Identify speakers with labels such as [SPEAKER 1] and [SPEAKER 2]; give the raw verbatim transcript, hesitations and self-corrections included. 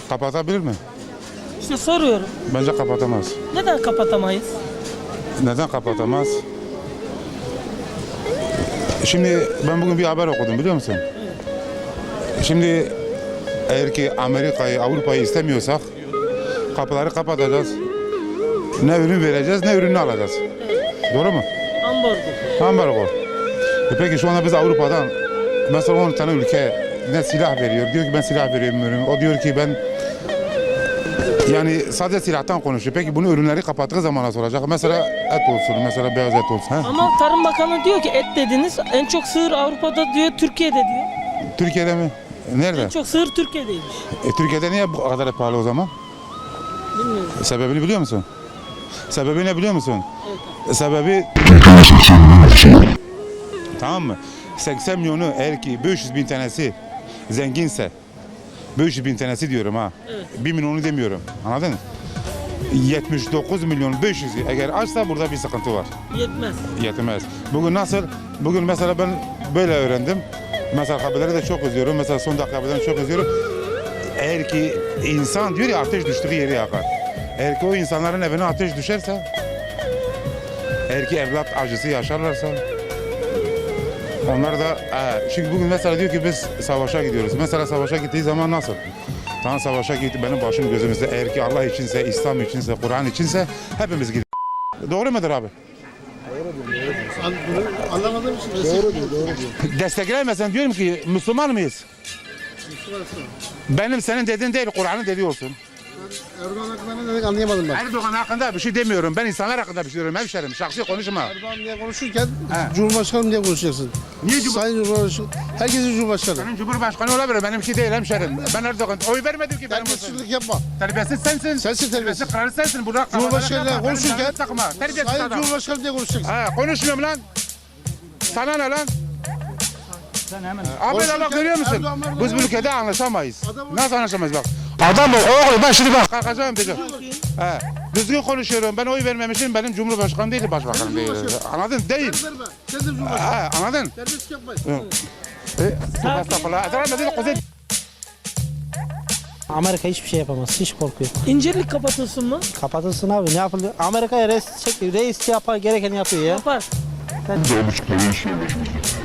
[SPEAKER 1] Kapatabilir mi?
[SPEAKER 2] İşte soruyorum.
[SPEAKER 1] Bence kapatamaz.
[SPEAKER 2] Neden kapatamayız?
[SPEAKER 1] Neden kapatamaz? Şimdi ben bugün bir haber okudum, biliyor musun? Şimdi eğer ki Amerika'yı, Avrupa'yı istemiyorsak kapıları kapatacağız. Ne ürün vereceğiz, ne ürünü alacağız. Doğru mu?
[SPEAKER 2] Ambargo.
[SPEAKER 1] Ambargo. E peki şu anda biz Avrupa'dan mesela on tane ülke ne silah veriyor. Diyor ki ben silah veriyorum. O diyor ki ben, yani sadece silahtan konuşuyor. Peki bunu ürünleri kapattığı zaman nasıl olacak? Mesela et olsun, mesela beyaz et olsun. He?
[SPEAKER 2] Ama Tarım Bakanı diyor ki et dediniz. En çok sığır Avrupa'da diyor, Türkiye'de diyor.
[SPEAKER 1] Türkiye'de mi? Nerede?
[SPEAKER 2] En çok sığır Türkiye'deymiş.
[SPEAKER 1] E, Türkiye'de niye bu kadar pahalı o zaman?
[SPEAKER 2] Bilmiyorum.
[SPEAKER 1] Sebebini biliyor musun? Sebebi ne biliyor musun?
[SPEAKER 2] Evet.
[SPEAKER 1] Sebebi tamam mı? seksen milyonu eğer ki beş yüz bin tanesi zenginse, beş yüz bin tanesi diyorum ha.
[SPEAKER 2] Evet.
[SPEAKER 1] bir milyonu demiyorum. Anladın mı? yetmiş dokuz milyon beş yüz eğer açsa burada bir sıkıntı var.
[SPEAKER 2] Yetmez.
[SPEAKER 1] Yetmez. Bugün nasıl? Bugün mesela ben böyle öğrendim. Mesela haberleri de çok izliyorum. Mesela son dakika haberlerini çok izliyorum. Eğer ki insan diyor ya ateş düştüğü yeri yakar. Eğer ki o insanların evine ateş düşerse, eğer ki evlat acısı yaşarlarsa, onlar da e, şimdi bugün mesela diyor ki biz savaşa gidiyoruz. Mesela savaşa gittiği zaman nasıl? Tamam, savaşa gitti, benim başım gözümüzde. Eğer ki Allah içinse, İslam içinse, Kur'an içinse hepimiz gidiyoruz. Doğru mudur abi?
[SPEAKER 3] Anlamadığım için doğru diyor, doğru diyor.
[SPEAKER 1] Desteklemesen diyorum ki Müslüman mıyız?
[SPEAKER 3] Müslümansın.
[SPEAKER 1] Benim senin dediğin değil, Kur'an'ın dediği olsun.
[SPEAKER 3] Erdoğan hakkında ne dedik anlayamadım ben.
[SPEAKER 1] Erdoğan hakkında bir şey demiyorum. Ben insanlar hakkında bir şey diyorum. Hemşerim, şahsi konuşma.
[SPEAKER 3] Erdoğan diye konuşurken
[SPEAKER 1] He.
[SPEAKER 3] Cumhurbaşkanım diye konuşacaksın.
[SPEAKER 1] Niye Cumhur-
[SPEAKER 3] Sayın Cumhurbaşkanı, herkesin Cumhurbaşkanı.
[SPEAKER 1] Senin Cumhurbaşkanı olabilir, benimki değil hemşerim. Ben Erdoğan oy vermedim ki benim olsun.
[SPEAKER 3] Terbiyesizlik yapma.
[SPEAKER 1] Terbiyesiz sensin.
[SPEAKER 3] Sensin terbiyesiz.
[SPEAKER 1] Kralı sensin. Burada
[SPEAKER 3] Cumhurbaşkanıyla konuşurken
[SPEAKER 1] takma. Terbiyesiz
[SPEAKER 3] Sayın
[SPEAKER 1] adam.
[SPEAKER 3] Cumhurbaşkanı diye konuşacaksın.
[SPEAKER 1] Ha, konuşmuyorum lan. Sana ne lan? Abi
[SPEAKER 3] Konuşurken
[SPEAKER 1] Allah görüyor musun?
[SPEAKER 3] Erdoğan, Erdoğan,
[SPEAKER 1] Biz bu ülkede anlaşamayız.
[SPEAKER 3] Adam-
[SPEAKER 1] Nasıl anlaşamayız bak. Adam ol, oğlum ben şimdi bak kalkacağım diyeceğim. He. Düzgün konuşuyorum. Ben oy vermemişim. Benim Cumhurbaşkanım değil, başbakanım değil. Anladın? Değil.
[SPEAKER 3] Verme. Sen de Cumhurbaşkanı.
[SPEAKER 1] Ha, anladın?
[SPEAKER 3] Terbiyesizlik yapmayın.
[SPEAKER 1] E, estağfurullah. Estağfurullah. Kuzey.
[SPEAKER 4] Amerika hiçbir şey yapamaz. Hiç korkuyor.
[SPEAKER 2] İncirlik kapatılsın mı?
[SPEAKER 4] Kapatılsın abi. Ne yapılıyor? Amerika'ya reis çek, reis yapar gerekeni yapıyor ya.
[SPEAKER 2] Yapar.
[SPEAKER 4] Sen...